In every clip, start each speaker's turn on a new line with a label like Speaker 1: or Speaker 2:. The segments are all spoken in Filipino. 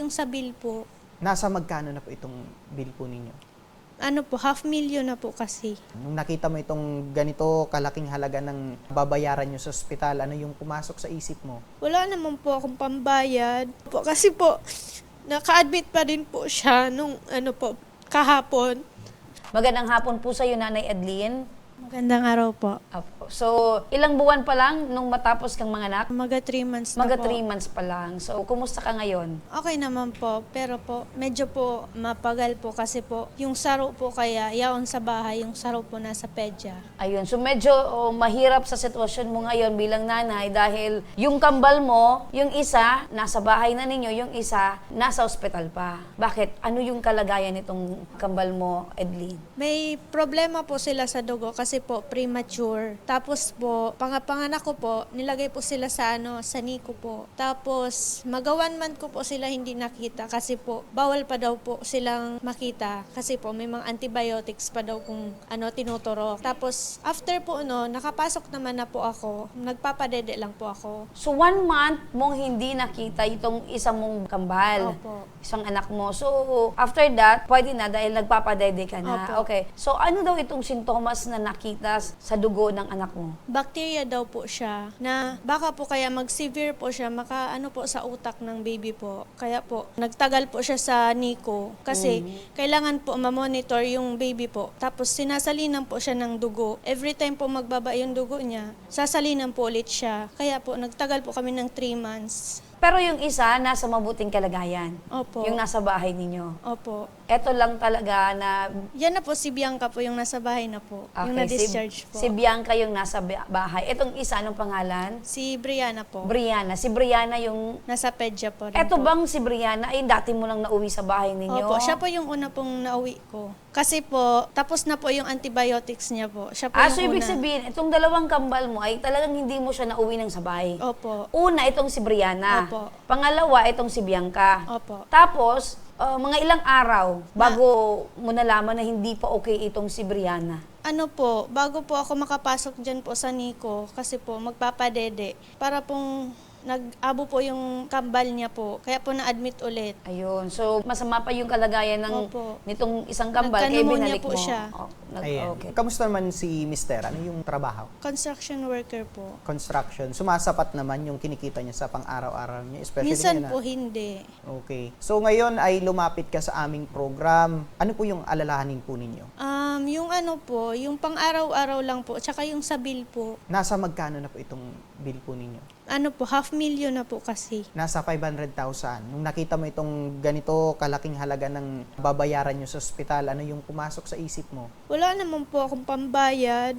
Speaker 1: yung sa bill po.
Speaker 2: Nasa magkano na po itong bill po ninyo?
Speaker 1: Ano po, 500,000 na po kasi.
Speaker 2: Nung nakita mo itong ganito kalaking halaga ng babayaran nyo sa ospital, ano yung pumasok sa isip mo?
Speaker 1: Wala naman po akong pambayad. Po, kasi po, naka-admit pa din po siya nung ano po, kahapon.
Speaker 3: Magandang hapon po sa iyo, Nanay Edlin.
Speaker 1: Magandang araw po.
Speaker 3: Apo. So, ilang buwan pa lang nung matapos kang manganak?
Speaker 1: Mga 3 months na
Speaker 3: Mga
Speaker 1: po.
Speaker 3: 3 months pa lang. So, kumusta ka ngayon?
Speaker 1: Okay naman po, pero po, medyo po mapagal po kasi po, yung saro po kaya, yaon sa bahay, yung saro po nasa pedya.
Speaker 3: Ayun. So, medyo mahirap sa sitwasyon mo ngayon bilang nanay dahil yung kambal mo, yung isa, nasa bahay na ninyo, yung isa, nasa ospital pa. Bakit? Ano yung kalagayan nitong kambal mo, Edlin?
Speaker 1: May problema po sila sa dugo kasi po premature. Tapos po, panganak ko po, nilagay po sila sa sa NICU po. Tapos, magawan man ko po sila hindi nakita kasi po, bawal pa daw po silang makita kasi po may mga antibiotics pa daw kung tinuturo. Tapos, after po nakapasok naman na po ako, nagpapadede lang po ako.
Speaker 3: So, 1 month mong hindi nakita itong isang mong kambal.
Speaker 1: Opo.
Speaker 3: Isang anak mo. So, after that, pwede na dahil nagpapadede ka na.
Speaker 1: Opo.
Speaker 3: Okay. So, ano daw itong sintomas na nakita sa dugo ng anak mo?
Speaker 1: Bacteria daw po siya na baka po kaya mag-severe po siya, maka po sa utak ng baby po. Kaya po, nagtagal po siya sa NICU kasi kailangan po ma-monitor yung baby po. Tapos sinasalinan po siya ng dugo. Every time po magbaba yung dugo niya, sasalinan po ulit siya. Kaya po, nagtagal po kami ng 3 months.
Speaker 3: Pero yung isa, nasa mabuting kalagayan.
Speaker 1: Opo.
Speaker 3: Yung nasa bahay ninyo.
Speaker 1: Opo.
Speaker 3: Ito lang talaga na...
Speaker 1: Yan na po si Bianca po, yung nasa bahay na po. Yung
Speaker 3: Okay,
Speaker 1: na-discharge po.
Speaker 3: si Bianca yung nasa bahay. Itong isa, anong pangalan?
Speaker 1: Si Brianna po.
Speaker 3: Brianna. Si Brianna yung...
Speaker 1: Nasa pedya po rin
Speaker 3: Eto
Speaker 1: po.
Speaker 3: bang si Brianna ay dati mo lang nauwi sa bahay ninyo?
Speaker 1: Opo, siya po yung una pong nauwi ko. Kasi po, tapos na po yung antibiotics niya po. Siya po yung
Speaker 3: So ibig
Speaker 1: una.
Speaker 3: sabihin, itong dalawang kambal mo ay talagang hindi mo siya nauwi ng sabay.
Speaker 1: Opo.
Speaker 3: Una, itong si Brianna.
Speaker 1: Opo.
Speaker 3: Pangalawa, itong si Bianca.
Speaker 1: Opo.
Speaker 3: Tapos, mga ilang araw bago mo nalaman na hindi pa okay itong si Brianna.
Speaker 1: Ano po, bago po ako makapasok dyan po sa NICU, kasi po magpapadede, para pong nag-abo po yung kambal niya po. Kaya po na-admit ulit.
Speaker 3: Ayun. So, masama pa yung kalagayan ng
Speaker 1: Opo.
Speaker 3: nitong isang kambal kaya
Speaker 1: Nagka-pneumonia
Speaker 3: binalik
Speaker 1: po
Speaker 3: mo.
Speaker 1: siya.
Speaker 2: Ayan.
Speaker 3: Okay.
Speaker 2: Kamusta naman si Mister? Ano yung trabaho?
Speaker 1: Construction worker po.
Speaker 2: Construction. Sumasapat naman yung kinikita niya sa pang-araw-araw niya, especially
Speaker 1: Minsan
Speaker 2: ngayon,
Speaker 1: po hindi.
Speaker 2: Okay. So ngayon ay lumapit ka sa aming program. Ano po yung alalahanin po ninyo?
Speaker 1: Yung yung pang-araw-araw lang po, tsaka yung sa bill po.
Speaker 2: Nasa magkano na po itong bill po ninyo?
Speaker 1: 500,000 na po kasi.
Speaker 2: Nasa 500,000. Nung nakita mo itong ganito kalaking halaga ng babayaran nyo sa ospital, ano yung pumasok sa isip mo?
Speaker 1: Wala naman po akong pambayad.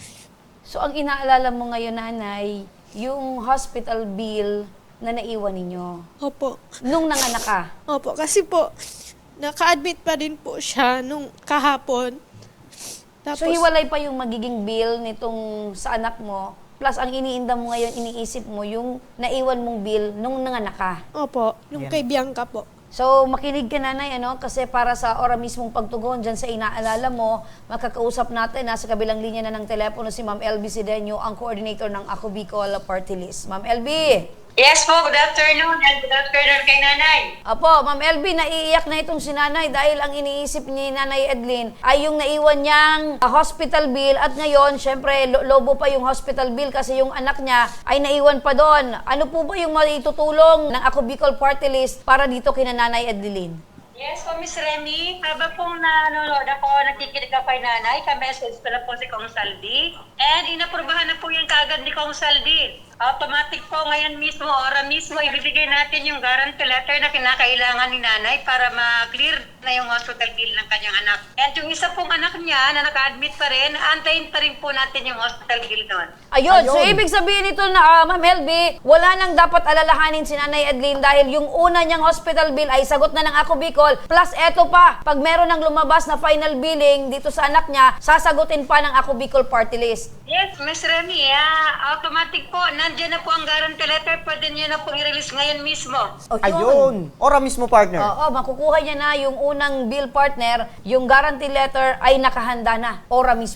Speaker 3: So, ang inaalala mo ngayon, nanay, yung hospital bill na naiwan ninyo
Speaker 1: Opo.
Speaker 3: nung nanganak ka.
Speaker 1: Opo, kasi po, naka-admit pa din po siya nung kahapon. Tapos,
Speaker 3: So, hiwalay pa yung magiging bill nitong sa anak mo. Plus, ang iniinda mo ngayon, iniisip mo yung naiwan mong bill nung nanganak ka.
Speaker 1: Opo, yung
Speaker 2: Yan.
Speaker 1: kay Bianca po.
Speaker 3: So, makinig ka, nanay, kasi para sa ora mismong pagtugon dyan sa inaalala mo, makakausap natin, nasa kabilang linya na ng telepono si Ma'am LB Sidenio, ang coordinator ng Ako Bicol Party List. Ma'am LB!
Speaker 4: Yes po, good afternoon and good afternoon kay Nanay.
Speaker 3: Apo, Ma'am LB, naiiyak na itong si nanay dahil ang iniisip ni Nanay Edlin ay yung naiwan niyang hospital bill at ngayon, syempre, lobo pa yung hospital bill kasi yung anak niya ay naiwan pa doon. Ano po ba yung maitutulong ng Ako Bicol Party List para dito kina Nanay Edlin?
Speaker 4: Yes po, Miss Remy. Habang pong nanonood ako, nakikinig ako kay Nanay, ka-message ko na po si Kong Saldi. And inaprubahan na po yung kaagad ni Kong Saldi. Automatic po ngayon mismo, ora mismo, ibibigay natin yung guarantee letter na kinakailangan ni Nanay para ma-clear na yung hospital bill ng kanyang anak. And yung isa pong anak niya na naka-admit pa rin, antayin pa rin po natin yung hospital bill doon.
Speaker 3: Ayun, so ibig sabihin nito na Ma'am LB, wala nang dapat alalahanin si Nanay Edlin dahil yung una niyang hospital bill ay sagot na ng Ako Bicol. Plus eto pa, pag meron ng lumabas na final billing dito sa anak niya, sasagutin pa ng Ako Bicol Party List.
Speaker 4: Yes, Miss Remy, automatic po, nandiyan na po ang guarantee letter, pwede niyo na po i-release ngayon mismo.
Speaker 2: Ayun! Ora mismo, partner.
Speaker 3: Oo, makukuha niya na yung unang bill partner, yung guarantee letter ay nakahanda na, ora mismo.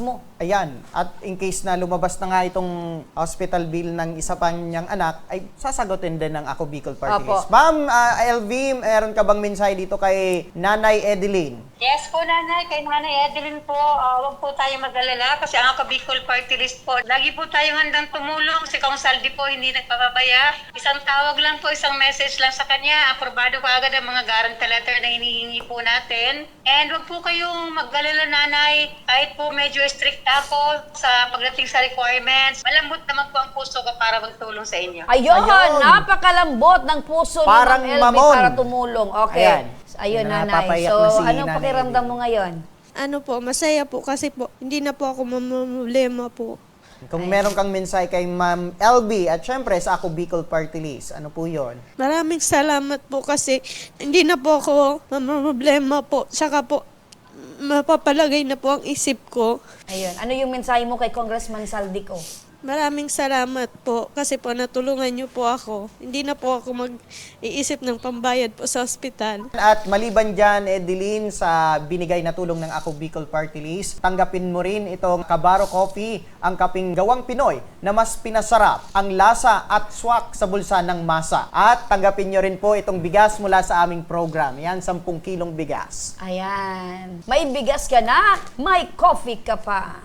Speaker 2: Ayan, at in case na lumabas na nga itong hospital bill ng isa pa niyang anak, ay sasagutin din ng Ako Bicol Party
Speaker 3: Opo.
Speaker 2: List. Ma'am, LV, meron ka bang mensahe dito kay Nanay Edeline?
Speaker 4: Yes po, Nanay. Kay Nanay Edeline po, huwag po tayo mag-alala kasi ang Ako Bicol Party List po, lagi po tayong handang tumulong. Si Kong Saldi po hindi nagpapabaya. Isang tawag lang po, isang message lang sa kanya. Aprobado ko agad ang mga guarantee letter na hinihingi po natin. And huwag po kayong mag-alala, Nanay. Kahit po medyo strict ako sa pagdating sa requirements, malambot naman po ang puso ko para magtulong sa inyo.
Speaker 3: Ayun,
Speaker 2: Ayun.
Speaker 3: napakalambot ng puso
Speaker 2: Parang
Speaker 3: ni Ma'am LV
Speaker 2: mamon.
Speaker 3: para tumulong. Okay.
Speaker 2: Ayan.
Speaker 3: Ayun, Nanay.
Speaker 2: Napapaiyak
Speaker 3: So,
Speaker 2: na si
Speaker 3: anong
Speaker 2: Nanay
Speaker 3: pakiramdam
Speaker 2: Edeline.
Speaker 3: mo ngayon?
Speaker 1: Ano po, masaya po kasi po, hindi na po ako mamumblema po.
Speaker 2: Kung meron kang mensahe kay Ma'am LB at syempre sa Ako Bicol Party List, ano po yon?
Speaker 1: Maraming salamat po kasi hindi na po ako mamumblema po. Tsaka po, mapapalagay na po ang isip ko.
Speaker 3: Ayun. Ano yung mensahe mo kay Congressman Saldico?
Speaker 1: Maraming salamat po kasi po natulungan niyo po ako. Hindi na po ako mag-iisip ng pambayad po sa ospital.
Speaker 2: At maliban dyan, Edeline, sa binigay na tulong ng Ako Bicol Party List, tanggapin mo rin itong Kabaro Coffee, ang kaping gawang Pinoy na mas pinasarap ang lasa at swak sa bulsa ng masa. At tanggapin nyo rin po itong bigas mula sa aming program. Yan, 10 kilong bigas.
Speaker 3: Ayan. May bigas ka na, may coffee ka pa.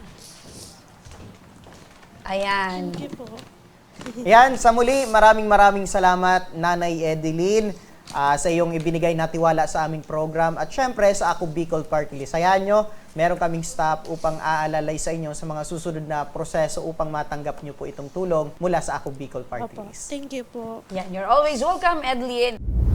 Speaker 3: Ayan.
Speaker 1: Thank you po.
Speaker 2: Yan, sa muli, maraming salamat, Nanay Edeline, sa iyong ibinigay na tiwala sa aming program. At syempre, sa Ako Bicol Party List. Hayaan nyo, meron kaming staff upang aalalay sa inyo sa mga susunod na proseso upang matanggap nyo po itong tulong mula sa Ako Bicol Party
Speaker 1: Opo.
Speaker 2: List.
Speaker 1: Thank you po.
Speaker 3: Yan. You're always welcome, Edeline.